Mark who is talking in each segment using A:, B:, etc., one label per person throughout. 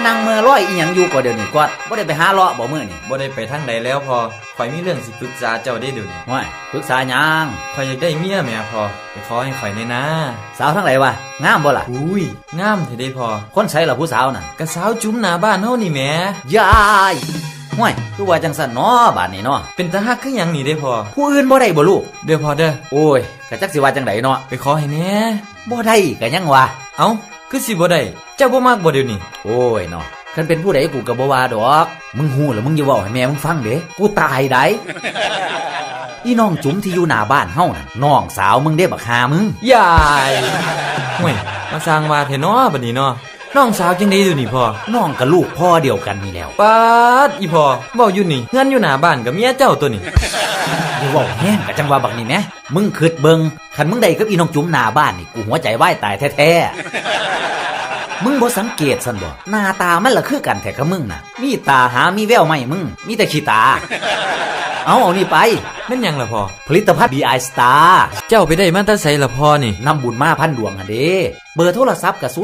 A: นั่งเมื่อร้อยอีหยังอยู่ก็เดี๋ยวนี้กอดบ่ได้ไปหาเลาะบ่มื้อนี่
B: บ่ได้ไปทางใดแล้วพอข่อยมีเรื่องสิปรึกษาเจ้าได้เดี๋ยวนี้
A: ว้ายปรึกษาหยัง
B: ข่อยอยากได้เมียแม่พอไปขอให้ข่อยแน่นะ
A: สาวทั้งหลายวะงามบ่ล่ะ
B: อุ้ยงามแท้ได้พอ
A: คนไสล่ะผู้สาวน่ะ
B: ก็สาวจุ๋มหน้าบ้านเฮานี่แหม
A: ยายห้วยคือว่าจังซั่นเนาะบาดนี้เนาะ
B: เป็นตาฮักคือหยังนี่ได้พอ
A: ผู้อื่นบ่ได้บ่ลูก
B: เด้อพอเด้อ
A: โอ้ยก็จักสิว่าจังไดเนาะ
B: ไปขอให้แน่
A: บ่ได้ก็ยังว่า
B: เอ้าคือสิบ่ได้เจ้าบ่มักบ่เดี๋ยวนี้
A: โอ้ยเนาะคันเป็นผู้ใดกูก็บ่ว่าดอกมึงฮู้แล้วมึงอย่าเว้าให้แม่มึงฟังเด้กูตายได้อีน้องจุ๋มที่อยู่หน้าบ้านเฮาน่ะน้องสาวมึงเด้บักหามึง
B: ยายห่วยมาสร้างว่าแท้เนาะบัดนี้เนาะน้องสาวจังได๋อยู่นี่พ่อ
A: น้องกับลูกพ่อเดียวกันนี่แล้ว
B: ปาดอีพ่อเว้าอยู่นี่เฮือนอยู่หน้าบ้านกับเมียเจ้าตัวนี้
A: อย่าเว้าแฮงก็จังว่าบักนี่แหมมึงคิดเบิ่งคันมึงได้กับอีน้องจุ๋มหน้าบ้านนี่กูหัวใจวายตายแท้ๆมึงบ่สังเกตซั่นบ่หน้าตามันละคือกันแท้กับมึงน่ะมีตาหามีแววไหมมึงมีแต่ขี้ตาเอานี่ไป
B: แม่นหยังล่ะพ่อ
A: ผลิตภัณฑ์ BI Star
B: เจ้าไปได้มาแต่ไสล่ะพ่อนี่
A: นำบุญมาพันดวงหั่นเด้เบอร์โทรศัพท์ก็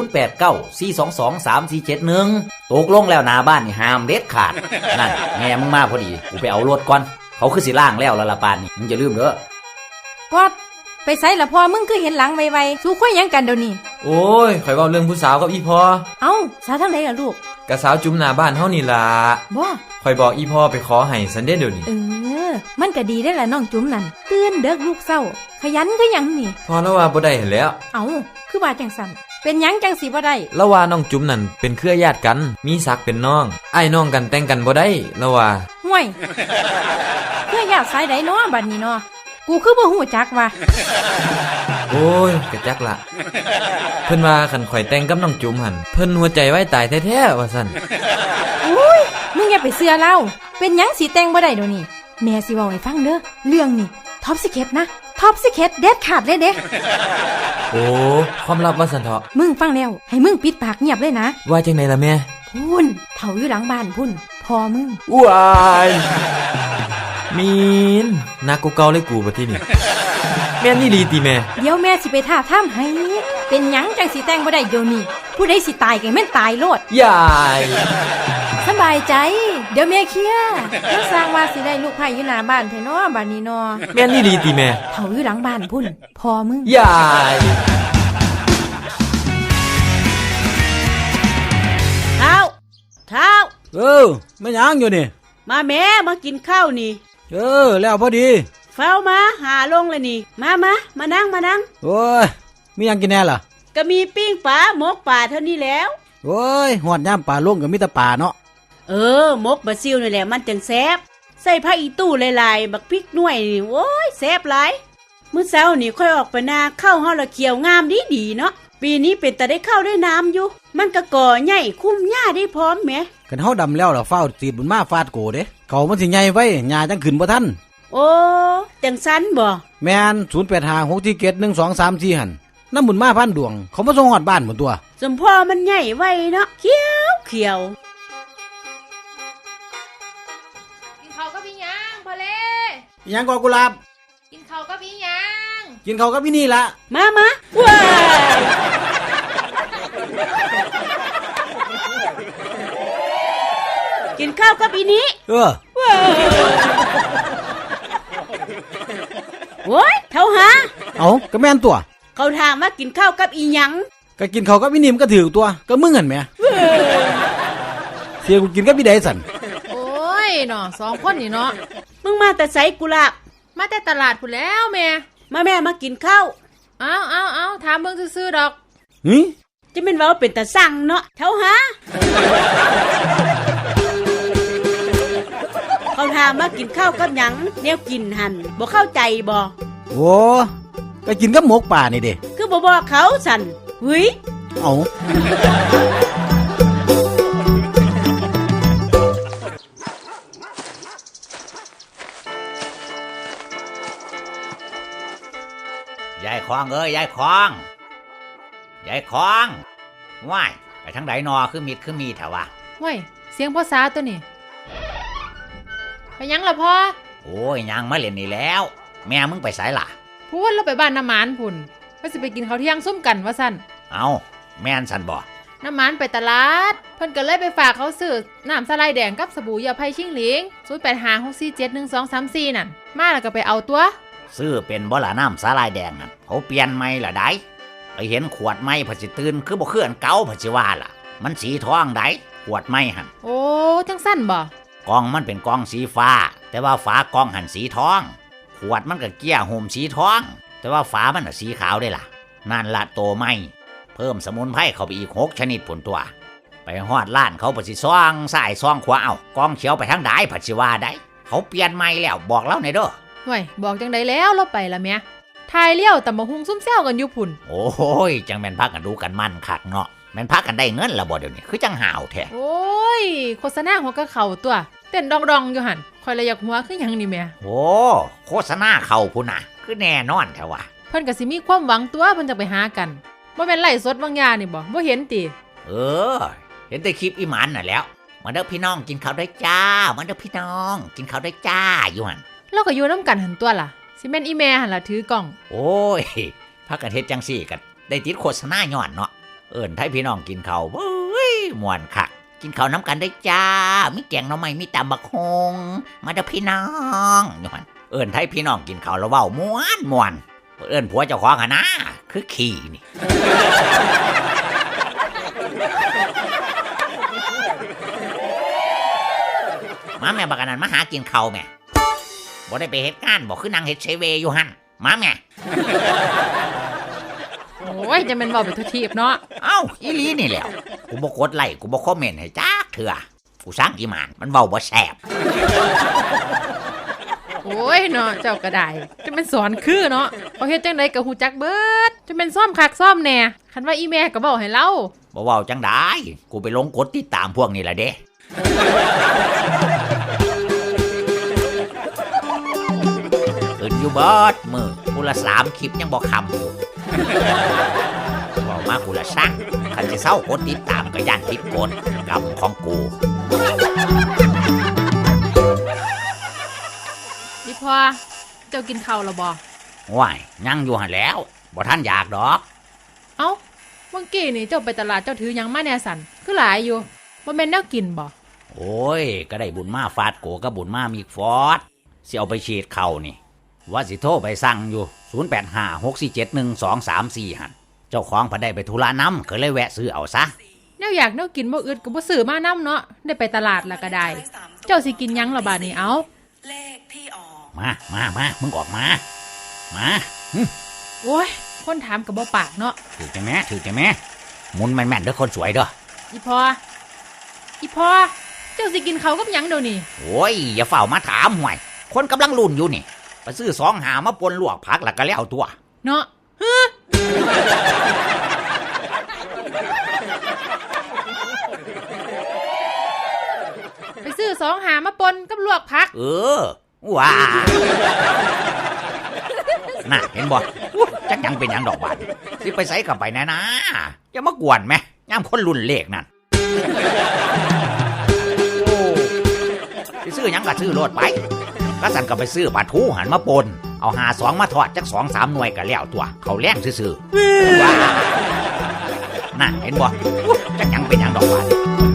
A: 0894223471ตกลงแล้วหน้าบ้านนี่ห้ามเด็ดขาดนั่นแม่มึงมาพอดีกูไปเอารถก่อนเขาคือสิล้างแล้วละปานนี่มึงอย่าลืมเด้
C: อกอดไปไสล่ะพ่อมึงคือเห็นหลังไวๆสู้คุยหยังกันเดี๋ยวนี้
B: โอ้ยข่อยเว้าเรื่องผู้สาวกับอีพ่อ
C: เอ้าสาวทางใดล่ะลูก
B: ก็สาวจุ๋มหน้าบ้านเฮานี่ล่ะ
C: บ่
B: ข่อยบอกอีพ่อไปขอให้ซันเด้เดี๋ยวนี้
C: มันก็ดีได้ล่ะน้องจุ๋มนั่นตื่นเด็กลูกเศร้าขยันคือหยังนี่
B: พอแล้วว่าบ่ได้เห็นแล้ว
C: เอ้าคือว่าจังซั่นเป็นหยังจังสิบ่ได้
B: แล้วว่าน้องจุ๋มนั่นเป็นเครือญาติกันมีศักดิ์เป็นน้องอ้ายน้องกันแต่งกันบ่ได้แล้วว่า
C: ห่วยเครือญาติสายใดเนาะบัดนี้เนาะกูคือบ่ฮู้จักว่า
B: โอ้ยกะจักละเพิ่นว่าคันข่อยแต่งกับน้องจุ๋มหั่นเพิ่นหัวใจไว้ตายแท้ๆว่าซั่น
C: อุ้ยมึงอย่าไปเชื่อเล่าเป็นหยังสิแต่งบ่ได้เดี๋ยวนี้แม่สิเว้าให้ฟังเด้อเรื่องนี้ท็อปซีเคร็ตนะท็อปซีเคร็ตเด็ดขาดเลยเด้
B: โอ้ความลับว่าซั่นเถาะ
C: มึงฟังแล้วให้มึงปิดปากเงียบเลยนะ
B: ว่าจังได๋ล่ะแม่
C: พุ่นเฒ่าอยู่หลังบ้านพุ่นพ่อมึง
B: ว้ายมีนนักกูเก่าเลยกูบัดทีนี้แม่นอี่ลีติแม่
C: เดี๋ยวแม่สิไปท่าถ้ำให้เป็นหยังจังสิแต่งบ่ได้เดี๋ยวนี้ผู้ใดสิตายก็แม่นตายโลด
B: ยาย
C: สบายใจเดี๋ยวแม่เคลียร์ถ้าสร้างว่าสิได้ลูกไผ่อยู่หน้าบ้านแท้เนาะบัดนี้เนาะ
B: แม่นอี่ลีติแม่
C: เฒ่าอยู่หลังบ้านพุ่นพ่อมึง
B: ยาย
D: เท้า
E: ไม่ยังอยู่นี่
D: มาแม่มากินข้าวนี่
E: แล้วพอดี
D: เฝ้ามาหาลงเลยนี่มานั่ง
E: โอ้ยมียังกินแน่ล่ะ
D: ก็มีปิ้งปลาหมกปลาเท่านี้แล้ว
E: โอ้ยหอดย่ำปลาลงกับมิตรปลาเนาะ
D: หมกบะซิลนี่แหละมันจังแซ่บใส่ผักอีตู้หลายๆบักพริกหน่วยนี่โอ้ยแซ่บหลายมื้อเช้านี่ค่อยออกไปนาข้าวเฮาละเขียวงามดีเนาะปีนี้เป็นแต่ได้ข้าวได้น้ำอยู่มันก็ก่อใหญ่คุ้มหญ้าได้พร้อมแหม
E: กันเฮาดำแล้วล่ะเฝ้าตีดบุญมาฟาดโกเด้เขามันสิใหญ่ไว้หญ้าจังขึ้นบ่ทัน
D: โอ้จังซั้นบ่
E: แม่น0856471234หั่นน้ำบุญมาพันดวงเขามาส่งฮอดบ้านหมดตัว
D: สมพ่อมันใหญ่ไว้เนาะเขียว
C: กินข้าวกับพี่ยังพอเล่
E: ยังก็กุหลาบ
C: กินข้าวกับพี่ยัง
E: กินข้าวกับพี่นี่ล่ะ
D: มาว้ายกินข้าวกับอีนี้โอ้ยเท่าหา
E: ก็แม่นตัว
D: เขาถามว่ากินข้าวกับอีหยัง
E: ก็กินข้าวกับอีนี่มันก็ถือตัวก็มึงหั่นแหมเสียกูกินกับพี่ใดสั่น
C: โอ้ยเนาะ2คนนี่เนาะ
D: มึงมาแต่ไสกุหลาบ
C: มาแต่ตลาดพุ่นแล้วแม่
D: มากินข้าว
C: เอาถามเบิ่งซื่อๆดอก
D: จะเป็นว่าเป็นตาสั่งเนาะเท่าหาเขาถามว่ากินข้าวกับหยังแนวกินหั่นบ่เข้าใจบ่
E: โอ้ก็กินกับหมกป่านี่เด้
D: คือบ่บอกเขาสั่นหึย
A: ยายคองยายคองว้ายไปทางใดนอคือมีแถววะ
C: ว้ายเสียงพ่อสาวตัวนี้ไปยังล่ะพ่อ
A: โอ้ยยังมาเล่นนี่แล้วแม่มึงไปไสล่ะ
C: พูดเราไปบ้านน้ำหมานพุ่นว่าสิไปกินข้าวเที่ยงซุ่มกันว่าสั่น
A: เอาแม่นสั่นบ่
F: น้ำมันไปตลาดเพิ่นก็เลยไปฝากเขาซื้อน้ำสไลด์แดงกับสบู่ยาไผ่ชิงหลิง0856471234นั่นมาแล้วก็ไปเอาตัว
A: ซื้อเป็นบ่ล่ะน้ำสาลายแดงน่ะเขาเปลี่ยนใหม่ล่ะได้ไปเห็นขวดใหม่ผัดสิตื่นคือบ่คืออันเก่าผัดสิว่าล่ะมันสีทองได้ขวดใหม่หั่น
F: โอ้จังสั้นบ่
A: กล่องมันเป็นกล่องสีฟ้า แต่ว่าฝากล่องหั่นสีทองขวดมันก็เกี้ยห่มสีทอง แต่ว่าฝามันน่ะสีขาวได้ล่ะนั่นละโตใหม่เพิ่มสมุนไพรเข้าไปอีก6ชนิดผลตัวไปฮอดร้านเขาผัดสิซ่องซ้ายซ่องขวาเอากล่องเขียวไปทางใดผัดสิว่าได้เขาเปลี่ยนใหม่แล้วบอกเราหน่อยเด้อ
F: ห่วยบอกจังไดแล้วเราไปละแม่ทายเลี้ยวตำบักหุ่งซุ่มแซวกันอยู่พุ่น
A: โอ้ยจังแม่นพักกันดูกันมั่นคักเนาะแม่นพักกันได้เงินละบ่เดี๋ยวนี้คือจังห่าวแท้
F: โอ้ยโฆษณาหัวกะเข่าตัวเต้นดองๆอยู่หั่นคอยละอยากหัวคือหยังนี่แม่
A: โอ้โฆษณาเข้าพุ่นน่ะคือแน่นอนแท้ว่ะ
F: เพิ่นก็สิมีความหวังตัวเพิ่นจะไปหากันบ่แม่นไล่สดบางยานี่บ่เห็นติ
A: เออเห็นแต่คลิปอีหมันน่ะแล้วมาเด้อพี่น้องกินข้าวได้จ้ามาเด้อพี่น้องกินข้าวได้จ้าอยู่หั่น
F: เราก็อยู่นํกันหั่นตัวล่ะสิแม่นอีแม่หั่นล่ะถือกล้อง
A: โอ้ยพักกันเฮ็ดจังซี่กันได้ติดโฆษณาย้อนเนาะเอิ้นให้พี่น้องกินข้าวเว้ยม่วนคักกินข้าวน้ำกันได้จ้ามีแกงหน่อไม้มีตำบักฮงมาเด้อพี่น้องอยู่หั่นเอิ้นให้พี่น้องกินข้าวแล้วเว้าม่วนเอิ้นผัวเจ้าของหั่นนะคือขี้นี่ มาแม่บักอันนั้นมาหากินข้าวแม่บ่ได้ไปเฮ็ดงานบ่คือนางเฮ็ดเซเวอยู่หั่นมาแม่
F: โอ้ยจะแม่นเว้าไปทุกทีบเนาะ
A: เอ้าอีหลีนี่แหล้วกูบ่กดไลค์กูบ่คอมเมนต์ให้จักเถื่อกูสร้างอีหมานมันเว้าบ่แซ่บ
F: โอ้ยเนาะเจ้าก็ได้จะแม่นสอนคือเนาะเขาเฮ็ดจังไดก็ฮู้จักเบิดจะแม่นซ่อมคักซ่อมแหน่คันว่าอีแม่ก็เว้าให้เรา
A: บ่เว้าจังได้กูไปลงกดติดตามพวกนี้ล่ะเด้ขึ้นอยู่เบิดมื้อกูละ3คลิปยังบ่คำอยู่เว้ามากูละสั่งคันสิเซากดติดตามก็ย่านผิดกฎกรรมของกู
F: อีพ่อเจ้ากินข้าวแล้วบ่
A: ว้ายยังอยู่หั่นแหล้วบ่ทันอยากดอก
F: เอ้าเมื่อกี้นี่เจ้าไปตลาดเจ้าถือหยังมาแหน่สั่นคือหลายอยู่บ่แม่นแนวกินบ่
A: โอ้ยก็ได้บุญมาฟาดโกกับบุญมามีฟอดสิเอาไปฉีดเข่านี่ว่าสิโทรไปสั่งอยู่0856471234หั่นเจ้าของพันได้ไปธุระน้ำก็เลยแวะซื้อเอาซะ
F: แนวอยากแนวกินบ่อึดก็บ่ซื้อมานํเนาะได้ไปตลาดแล้วก็ได้ เจ้าสิกินหยังล่ะบาดนี้เอ้า
G: เลขที่ออก
A: มามึงออกมาหึ
F: โอ้ยคนถามก็บ่ปากเนาะ
A: ถือใจแม่หมุนแม่นๆเด้อคนสวยเด้อ
F: อีพ่อเจ้าสิกินข้าวกับหยังเดี๋ยวนี้
A: โอ้ยอย่าเฝ้ามาถามห่วยคนกำลังลุ่นอยู่นี่ไปซื้อ2หามาปนลวกผักแล้วก็แล้วตัว
F: เนาะไปซื้อ2หามาปนกับลวกผัก
A: เออว้าน่ะเห็นบ่อุ๊ยจักยังเป็นหยังดอกบานสิไปใส่กับไปแน่นะอย่ามากวนแม่ย่ามคนรุ่นเลขนั่นโอ้สิซื้อหยังก็ซื้อโลดไปก็สั่นก็ไปซื้อปลาทูหันมาปนเอา52มาทอดจัก2-3หน่วยก็แล้วตัวเขาแรงซื่อๆว้าน่ะเห็นบ่อุ๊ยจักยังเป็นหยังดอกบาน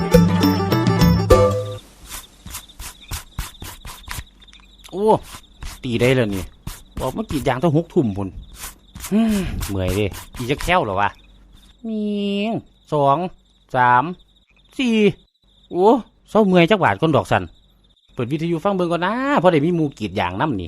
E: โอ้ตีได้แล้วนี่บอกเมื่อกี้ยางต้อง6 ทุ่มพุ่นเมื่อยเด้อีจะแค้วเหรอวะมี2 3 4โอ้เศร้าเมื่อยจักบาทคนดอกสันเปิดวิทยุฟังเบิ่งก่อนนะเพราะได้มีหมู่กรีดยางน้ำนี่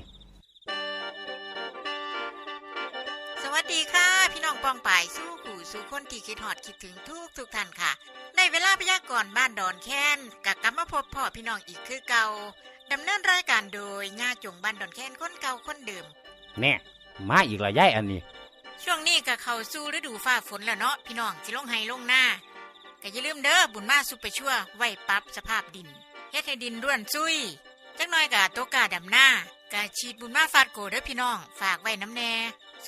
G: สวัสดีค่ะ พี่น้องปองป่ายสู้ขู่สู้คนที่คิดฮอดคิดถึงทุกท่านค่ะในเวลาพยากรณ์บ้านดอนแค้นกับกลับมาพบพ่อพี่น้องอีกคือเก่าดำเนินรายการโดยย่าจงบ้านดอนแค้นคนเก่าคนเดิม
E: แน่มาอีกละย่ายอันนี้
G: ช่วงนี้ก็เข้าสู่ฤดูฟ้าฝนแล้วเนาะพี่น้องสิลงไห้ลงหน้าก็อย่าลืมเด้อบุญมาซุปเปอร์ชั่วไว้ปรับสภาพดินเฮ็ดให้ดินร่วนซุยจักหน่อยก็ตกกาดำหน้ากะฉีดบุญมาฟาดโกเด้อพี่น้องฝากไว้น้ำแน่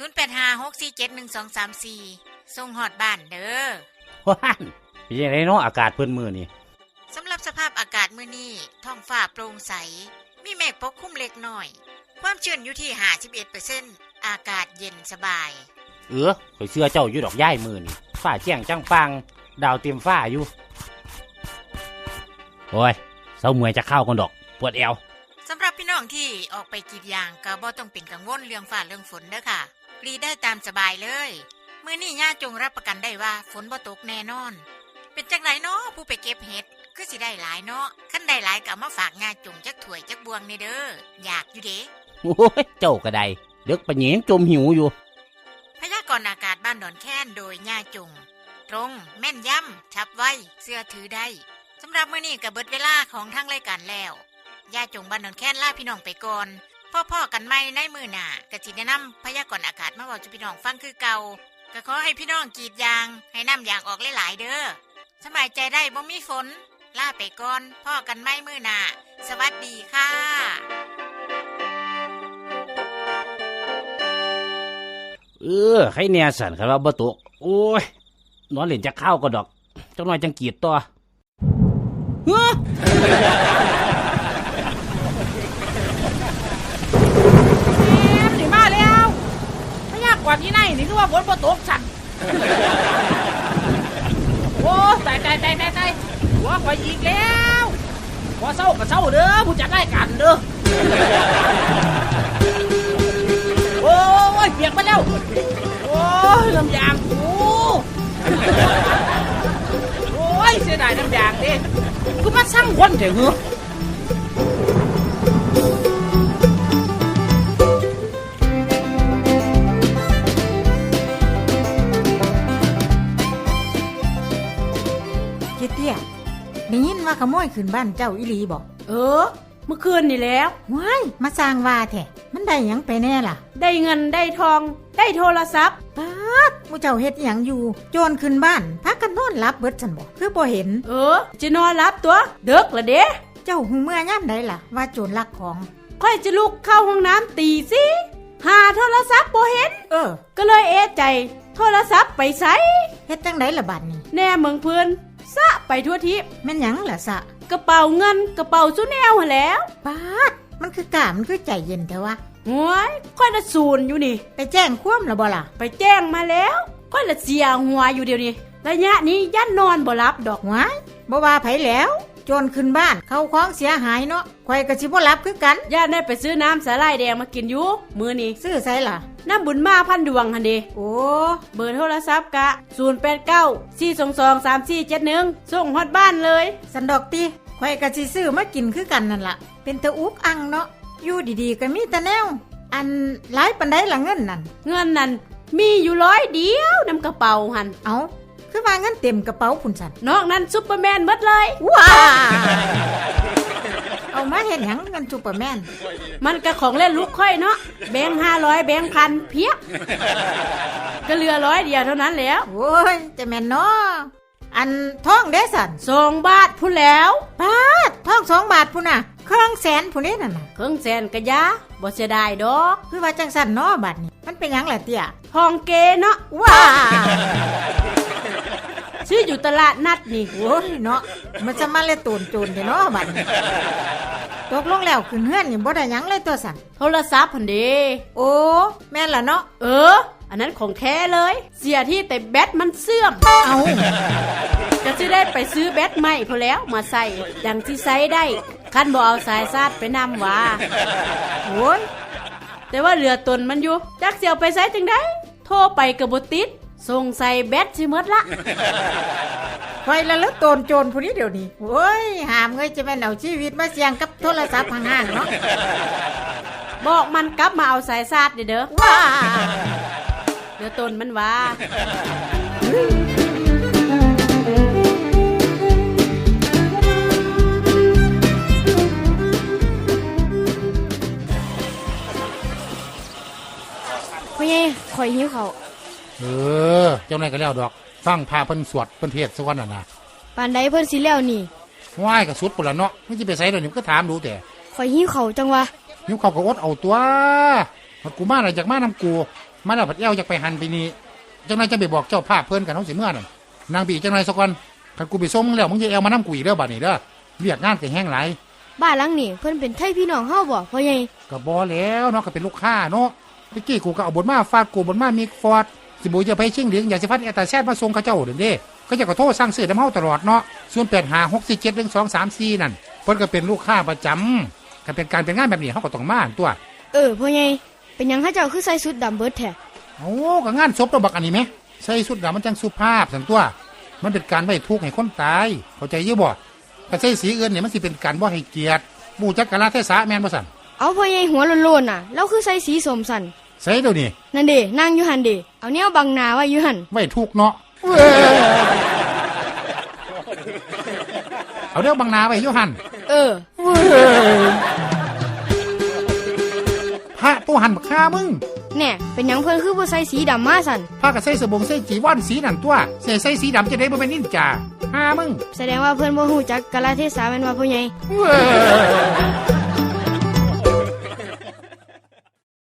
G: 0856471234ส่งฮอดบ้านเด้อ
E: ว้านเป็นยังไงเนาะอากาศเพิ่นมื้อนี่
G: สำหรับสภาพอากาศมื้อนี้ท้องฟ้าโปร่งใสมีเมฆปกคลุมเล็กน้อยความชื้นอยู่ที่ 51% อากาศเย็นสบาย
E: ข่อยเชื่อเจ้าอยู่ดอกย่ายมื้อนี่ฟ้าแจ้งจังปังดาวเต็มฟ้าอยู่โอ้ยเศร้าเมื่อยจะเข้ากันดอกปวดเอว
G: สำหรับพี่น้องที่ออกไปกรีดยางก็บ่ต้องเป็นกังวลเรื่องฟ้าเรื่องฝนเด้อค่ะกรีดได้ตามสบายเลยมื้อนี้ย่าจงรับประกันได้ว่าฝนบ่ตกแน่นอนเป็นจังไดเนาะผู้ไปเก็บเห็ดคือสิได้หลายเนาะคันได้หลายก็เอามาฝากย่าจงจักถ้วยจักบวงนี่เด้ออยากอยู่เด้
E: โอ้ยเจ้าก็ได้เด็กปะเหนียงจมหิวอยู่
G: พยากรณ์อากาศบ้านดอนแค้นโดยย่าจงตรงแม่นยำฉับไวเสื้อถือได้สำหรับมื้อนี้ก็เบิดเวลาของทางรายการแล้วย่าจงบ้านดอนแค้นลาพี่น้องไปก่อนพ่อๆกันใหม่ในมื้อหน้าก็สิแนะนำพยากรณ์อากาศมาเว้าสู่พี่น้องฟังคือเก่าก็ขอให้พี่น้องกรีดยางให้น้ำยางออกหลายๆเด้อสบายใจได้บ่มีฝนลาไปก่อนพ่อกันใหม่มื้อหน้าสวัสดีค่ะ
E: ใครแน่สันครับว่าบ่ตกโอ้ยนอนเล่นจะเข้าก็ดอกจังหน่อยจังกีดตัวเฮ้อ
F: นี่มาแล้วพยากรณ์ที่ไหนนี่คือว่าฝนบ่ตกสั่นโอ้ตายหัวข่อยอีกแล้วบ่เศร้าก็เศร้าเด้อผู้จัดรายการเด้อโอ้ยเปียกมาแล้วโอ้ยน้ำยางกูโอ้ยเสียดายน้ำยางดิกูมาสั่งคนเถอะเหรอ
C: เจ๊เตี้ยได้ยินว่าขโมยขึ้นบ้านเจ้าอีหลีบอก
D: เมื่อคืนนี่แล้ว
C: ว้ายมาสร้างว่าแท้มันได้หยังไปแน่ล่ะ
D: ได้เงินได้ทองได้โทรศัพท์
C: ป๊าดมูเจ้าเฮ็ดหยังอยู่โจรขึ้นบ้านพักกันนอนหลับเบิดซั่นบ่คือบ่เห็น
D: จะนอนรับตัวเด็กละเด้
C: เจ้าหูเมื่อยามใดล่ะว่าโจรลักของ
D: ค่อยจะลุกเข้าห้องน้ำตีสิหาโทรศัพท์บ่เห็น ก็เลยเอะใจโทรศัพท์ไปไส
C: เฮ็ดจังไดล่ะบัดนี้
D: แน่เมืองเพื่อนซะไปทั่วทิพย์
C: แม่นหยังล่ะสะ
D: กระเป๋าเงินกระเป๋าซุแนวหั่นแหล้ว
C: ป๊าดมันคือกล้ามันคือใจเย็นแท้วะ
D: โอ้ยค่อยละศูนย์อยู่นี่
C: ไปแจ้งความแล้วบ่ล่ะ
D: ไปแจ้งมาแล้วค่อยละเสียหัวอยู่เดี๋ยวนี้ระยะนี้ยันนอนบ่หลับดอก
C: ว้ายบ่ว่าไผแล้วโจรขึ้นบ้านเข้าของเสียหายเนาะข่อยก็สิบ่หลับคือกัน
D: ย่าได้ไปซื้อน้ำสาหร่ายแดงมากินอยู่มื้อนี้
C: ซื้อไสล่ะ
D: น้ำบุญมาพันดวงหั่นเด้
C: โอ้
D: เบอร์โทรศัพท์กะ0894223471ส่งฮอดบ้านเลย
C: สันดอกติข่อยก็สิซื้อมากินคือกันนั่นล่ะเป็นตะอุกอังเนาะอยู่ดีๆก็มีแต่แนวอันหลายปานใดล่ะเงินนั่น
D: เงินนั่นมีอยู่100เดียวนำกระเป๋าหัน
C: เอาคือว่าเงินเต็มกระเป๋าพุ่นสัน
D: นอกนั้นซุปเปอร์แมนหมดเลย
C: ว้าเอามาเห็นหยังเงินซูเปอร์แมน
D: มันก็ของเล่นลูกค่อยเนาะแบงค์500แบงค์พันเพียบก็เหลือ100เดียวเท่านั้นแล้ว
C: โอ้ยจะแม่นเนาะอันท่องเด้สัน
D: 2 บาทพุ่นแล้ว
C: ปาดท่อง2 บาทพุ่นน่ะเครื่องแสนพุ่นนี่นั่นน่ะ
D: เครื่องแสนกะยาบ่เสียดายดอก
C: คือว่าจังสันเนาะบัดนี้มันเป็นหยังล่ะเตี้ย
D: ทองเกเนาะ
C: ว้า
D: ซื้ออยู่ตลาดนัดนี่
C: โอ้ยเนาะมันจะมาเลยตูนโจรเนาะบัดนี้ตกลงแล้วขึ้นเฮือนนี่บ่ได้หยังเลยตัวสัน
D: โทรศัพท์พันเด
C: โอ้แม่นล่ะเนาะ
D: อันนั้นของแท้เลย เสียที่แต่แบตมันเสื่อม
C: เอา
D: จะซื้อได้ไปซื้อแบตใหม่พอแล้วมาใส่ดังที่ใส่ได้คันบ่เอาสายซาดไปนำว่า
C: โอ้ย
D: แต่ว่าเหลือตนมันอยู่จักเสียวไปใส่จังได้โทรไปก็บ่ติดส่งใส่แบตสิหมดละ
C: ไฟละลึกโตนโจรผู้นี้เดี๋ยวนี้โอ้ยหามเงยจะแม่นเอาชีวิตมาเสี่ยงกับโทรศัพท์ห่างๆเนาะ
D: บอกมันกลับมาเอาสายซาดเด้อ
C: ว้า
D: เหลือตนมันว่า
H: พ่อใหญ่ข่อยหิวเขาว
I: เจ้านายก็แล้วดอกฟังพาเพิ่นสวดเพิ่นเทศน์ซะก่อนน่ะนะ
H: ปานใดเพิ่นสิแล้วนี่
I: ว่ายก็สุดปุ่นละเนาะไม่สิไปไสดอกนี่ก็ถามดูแต่
H: ข่อยหิวเขาวจังวะ
I: หิวข้าวก็อดเอาตัวพัดกูมาน่ะจากมานำกูมาแล้วพัดแอวจากไปหันไปนี่เจ้านายจะไปบอกเจ้าภาพเพิ่นกันเฮาสิเมื่อนั่นนางบีเจ้านายซะก่อนคันกูไปส่งมึงแล้วมึงจะแอวมานำกูอีกเด้อบัดนี้เด้อเรียกงานก็แห้งหลาย
H: บ้านหลังนี่เพิ่นเป็นไทพี่น้องเฮาบ่พ่อใหญ่
I: ก็บ่แล้วเนาะก็เป็นลูกค้าเนาะเมื่อกี้กูก็เอาบนมาฟาดกูบนมามีฟอร์ดสิบูจะไปชิงเหลียงอยากสิฟัดแอตตาแซดมาส่งเขาเจ้าเด้อเด้ก็จะขอโทษสั่งซื้อน้ำเฮาตลอดเนาะ0856471234นั่นเพิ่นก็เป็นลูกค้าประจำก็เป็นการเป็นงานแบบนี้เฮาก็ต้องมาตัว
H: พ่อใหญ่เป็นหยังเขาเจ้าคือใส่ชุดดำเบิดแท้
I: โอ้ก็งานศพตัวบักอันนี้ไหมใส่สุดดำมันจังสุภาพสันตัว มันเป็นการไว้ทุกข์ให้คนตายเข้าใจอยู่บ่ถ้าใส่สีอื่นเนี่ยมันสิเป็นการบ่ให้เกียรติบูจักกะลาเทศะแม่นบ่สั่น
H: เอาพ่อใหญ่หัวโลนๆน่ะเราคือใส่สีสมสัน
I: ใส่เดี๋ยวนี้
H: นั่นเด้นั่งอยู่หันเด้เอาแนวบังหน้าไว้อยู่หัน
I: ไว้ทุกข์เนาะเอาเดี๋ยวบังหนาไว้อยู่หั่น พระตัวหันบักฆ่ามึง
H: แน่เป็นหยังเพิ่นคือบ่ใส่สีดำมาสัน
I: พากับใส่สบงใส่จีวรสีนั่นตัวใส่สีดำจะได้บ่เป็นนินจาหามึง
H: แสดงว่าเพิ่นบ่ฮู้จักกาลเทศะแม่นว่าพ่อใหญ่
I: เว้ย